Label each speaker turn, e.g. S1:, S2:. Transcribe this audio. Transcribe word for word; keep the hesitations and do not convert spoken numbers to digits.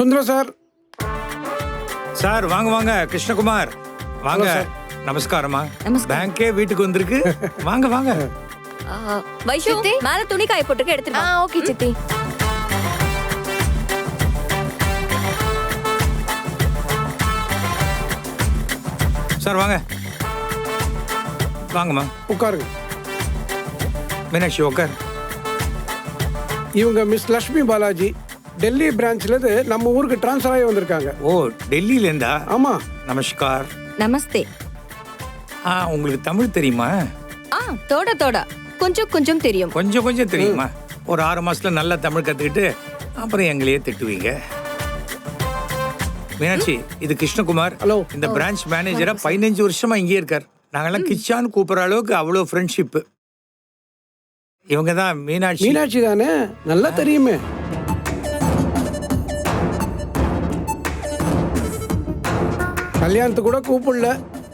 S1: Sundaram sir.
S2: Sir வாங்க வாங்க. கிருஷ்ணகுமார் வாங்க. நமஸ்காரமா. பேங்கே வீட்டுக்கு வந்திருக்கு. வாங்க வாங்க.
S3: வைஷு மேல துணி காய போட்டுக்க எடுத்துட்டு வா.
S4: ஓகே சித்தி.
S2: சார் வாங்க வாங்கம்மா.
S1: உட்காருங்க.
S2: மீனாட்சி உட்கார்.
S1: இவங்க மிஸ் லட்சுமி பாலாஜி, டெல்லி பிரான்ச்ல இருந்து நம்ம ஊருக்கு டிரான்ஸ்ஃபர் ஆகி வந்திருக்காங்க.
S2: ஓ, டெல்லியில இருந்தா?
S1: ஆமா.
S2: நமஸ்கார்.
S3: நமஸ்தே.
S2: ஆ, உங்களுக்கு தமிழ் தெரியுமா?
S3: ஆ, தோட தோட கொஞ்சம் கொஞ்சம் தெரியும்.
S2: கொஞ்சம் கொஞ்சம் தெரியுமா? ஒரு ஆறு மாசத்துல நல்லா தமிழ் கத்துக்கிட்டு அப்புறம் எங்களையே திட்டுவீங்க. மீனாட்சி, இது கிருஷ்ணகுமார்.
S1: ஹலோ.
S2: இந்த பிரான்ச் மேனேஜரா பதினஞ்சு வருஷமா இங்கே இருக்கார். நாங்கெல்லாம் கிச்சான்னு கூப்பிடுற அளவுக்கு அவ்வளோ ஃப்ரெண்ட்ஷிப். இவங்க தான் மீனாட்சி.
S1: மீனாட்சி தானே? நல்லா தெரியுமே. கல்யாணத்துக்கு கூட கூப்பிடல,